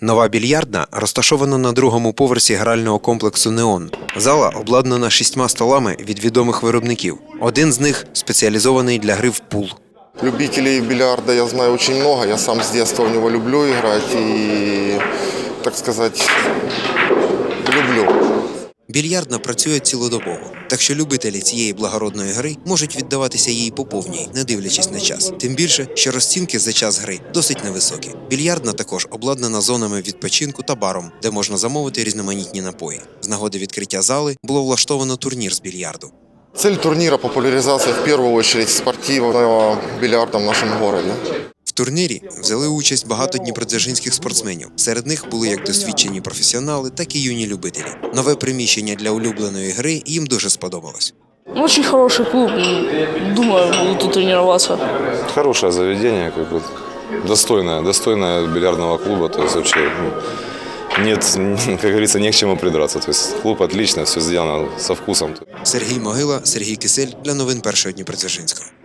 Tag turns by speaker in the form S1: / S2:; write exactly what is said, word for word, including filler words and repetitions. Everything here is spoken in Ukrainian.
S1: Нова більярдна розташована на другому поверсі грального комплексу «Неон». Зала обладнана шістьма столами від відомих виробників. Один з них спеціалізований для гри в пул.
S2: Любителей бильярда я знаю очень много. Я сам с детства в него люблю играть и, так сказать, люблю.
S1: Більярдна працює цілодобово, так що любителі цієї благородної гри можуть віддаватися їй по повній, не дивлячись на час. Тим більше, що розцінки за час гри досить невисокі. Більярдна також обладнана зонами відпочинку та баром, де можна замовити різноманітні напої. З нагоди відкриття зали було влаштовано турнір з більярду.
S2: Цель турнира – популяризация, в первую очередь, спортивного бильярда в нашем городе.
S1: В турнірі взяли участь багато дніпродзержинських спортсменів. Серед них були як досвідчені професіонали, так і юні любителі. Нове приміщення для улюбленої гри їм дуже сподобалось.
S3: Очень хороший клуб. Думаю, буду тут тренироваться.
S4: Хорошее заведение, как бы достойное, достойное бильярдного клуба. То есть вообще ну, нет, как говорится, не к чему придраться. То есть клуб отлично, все сделано со вкусом.
S1: Сергій Могила, Сергій Кисель для новин Першого Дніпродзержинського.